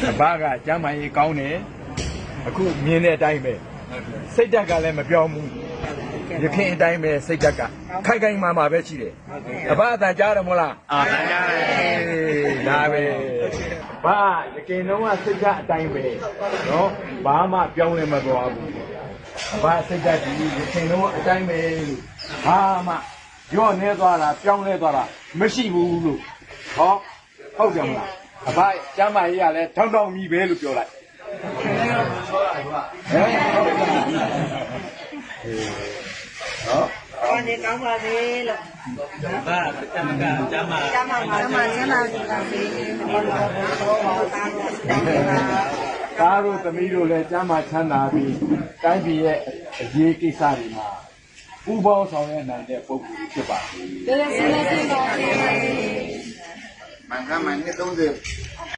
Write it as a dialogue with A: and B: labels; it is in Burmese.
A: ဘာကကျမ်းမာရေးကောင်းတယ်အခုမြင်တဲ့အတိုင်းပဲစိတ်ဓာတ်ကလည်းမပြောင်းဘူးရခင်အတိုင်းပဲစိတ်ဓာတ်ကခိုက်ခိုက်မာမာပဲရှိတယ်အဘအတန်ကြားတယ်မဟုတ်လားကြားတယ်ဒါပဲဘာရခင်တော့ကစိတ်ဓာတ်အတိုင်းပဲနော်ဘာမှပြောင်းလဲမသွားဘူးအဘစိတ်ဓာတ်ဒီရခင်တော့အတိုင်းပဲလို့ဘာမှရော့နေသွားတာပြောင်းလဲသွားတာမရှိဘူးလို့ဟောဟုတ်ကြမလားအဘကျမ်းမာရေးကလည်းထောင်းထောင်းကြီးပဲလို့ပြောလိုက်နော်
B: ဒီကောင်းပါစေလို့
A: ဘာကျမ်းမာကျမ်းမာ
B: ကျမမှာကျမစီပါစေဘောလုံးဘောတာလို့တိုင်းပါ
A: သားတို့သမီးတို့လည်းကျမ်းမာချမ်းသာပြီးတိုင်းပြည်ရဲ့အရေးကိစ္စတွေမှာပူပေါင်းဆောင်ရွက်နိုင်တဲ့ပုဂ္ဂိုလ်ဖြစ်ပါစေ
B: ကျေးဇူးတင်ပါတယ်
C: မင်္ဂလာမနေ့30